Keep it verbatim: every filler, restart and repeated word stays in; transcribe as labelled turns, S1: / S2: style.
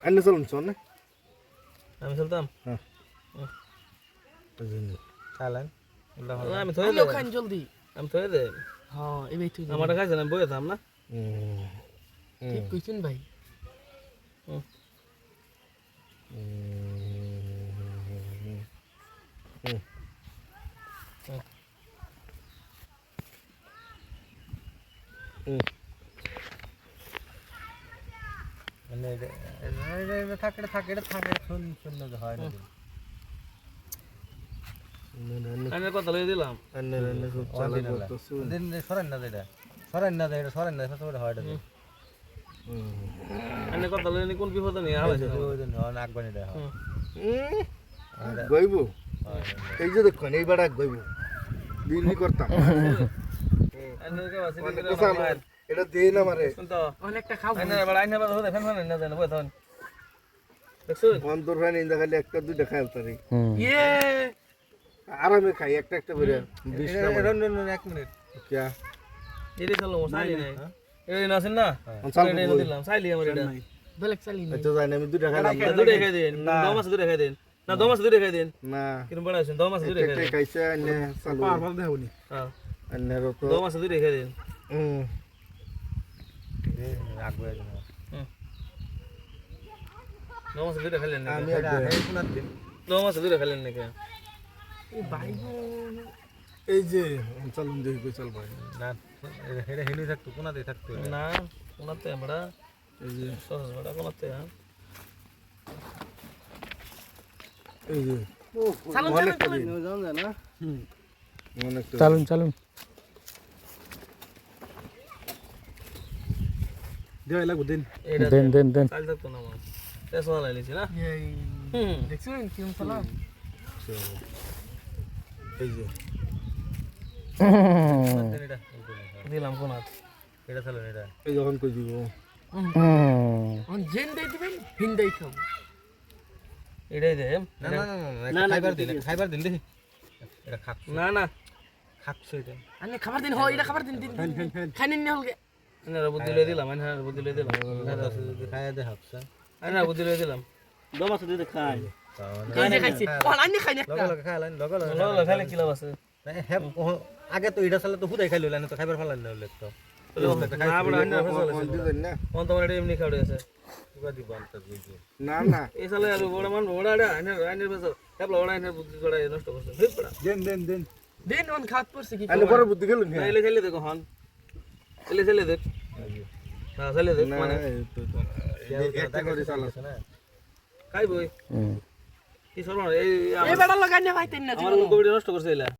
S1: আন্নে চলুন চল না
S2: আমি চলতাম
S1: হ্যাঁ
S2: চালান আমি
S3: থই
S2: থই
S3: খান জলদি
S2: আমি থই দে
S3: হ্যাঁ এবাই তুই
S2: আমারটা খাইছেন আমি বইয়ে থাম না
S3: ঠিক কইছেন ভাই
S2: মানে এটা থাকে থাকে এটা থাকে শুন শুন হয় না আমি কথা লই দিলাম
S1: আন্নে আন্নে সব চালা করতেছ
S2: দিন সরেন না এটা সরেন না এটা সরেন না সব হয় এটা আমি কথা লই নি কোন বিপদ নিয়ে আলাইছে ওই জন্য নাক বানি দেয়
S1: গইব এই যে দেখুন এই বাড়া গইব বিলি করতাম এটা দে না মারে
S3: অনেকটা খাও
S2: আইনা বড় আইনা বড় হতে ফেন ফেন না দেন বই তখন দেখছুন
S1: বন্ধুর ভাই নিন্দা খালি একটা দুইটা খাই তারি
S3: ইয়ে
S1: আরামে খাই একটা একটা করে বিশ না
S2: এক মিনিট
S1: কিয়া
S2: এরে চলো সাইলি নাই এই না আছেন না এটা এনে দিলাম সাইলি আমার এটা
S3: বেলেক চালি না
S1: তো জানি আমি দুইটা খাইলাম
S2: দুটো খাই দেন দম আছে দুটো খাই দেন না দম আছে দুটো খাই দেন
S1: না
S2: কিরম বড় আছেন দম আছে দুটো খাই
S1: একটা
S2: দেন
S1: খাইছে আন্নে চালু
S4: পারভাল দেহনি
S2: হ্যাঁ
S1: আন্নে তো
S2: দম আছে দুটো খাই দেন
S1: হুম
S2: আগবে দম আছে দুটো খাইলেন না
S1: আমি
S2: কোন দিন দম আছে দুটো খাইলেন নাকি
S3: এই ভাই
S1: এই যে চলুন দেখি কই চল ভাই
S2: না এটা হেলি থাকতো কোনাতে থাকতো না কোনাতে আমরা
S1: এই যে
S2: সহজ বড় কোনাতে হ্যাঁ
S1: এই যে
S3: চালুন
S1: অনেক
S3: চালুন
S1: দিন
S3: চালুন
S1: না হুম অনেক
S4: চালুন চালুন দেওয়া লাগবে দিন
S2: এটা
S4: দেন দেন দেন
S2: চাল থাকতো না আমার তেসওয়া লাইছি না
S3: এই
S2: হুম
S3: দেখছেন কিরম চালা
S1: এই যে
S2: এটা দিলাম কোনাত এটা চালুন এটা
S1: এই যখন কই দিব
S3: অন জেন দেই দিবেন হিন দেই খাও
S2: এটাই দে
S1: না না না
S2: খাইবার দিন খাইবার দিন দেখি এটা খাক না না খাকছো এটা
S3: আনে খাবার দিন হয় এটা খাবার দিন দিন খাইনেন না হলগে
S2: না বুদ্ধি লই দিলাম না বুদ্ধি লই দিলাম খাইয়া দে হাফসা না বুদ্ধি লই দিলাম দম আছে দিতে খাই
S3: এই যে খাইছে ও আনে খাই না
S2: লগা লগা খাইলেন লগা লগা খাইলে কি লাভ আছে আগে তো এটা চালে তো হুদাই খাইলো না তো খাইবার ফালান না হলে তো না বড় না
S1: দিবেন না
S2: কোন তোমার এটা এমনি খাওয়া আছে কিবা দিব আনতে বুঝি
S1: না না
S2: এই সালে আর বড় মান বড় আড়া আইনে আইনে বসো তাপলা বড় আইনে বুদ্ধি করা নষ্ট করছে ঠিক পড়া
S1: দেন দেন দেন
S3: দেন অন খাত পড়ছে কি
S1: আলে পরে বুদ্ধি গেল না
S2: এলে খেলে দেখো হন এলে খেলে দেখ হ্যাঁ খেলে দেখ মানে
S1: একটা করে চালাছ
S2: না খাই বই কি সরব এই
S3: এই বেড়া লাগাই না ভাই তেন না
S2: আমার কোভিড নষ্ট করছে এলা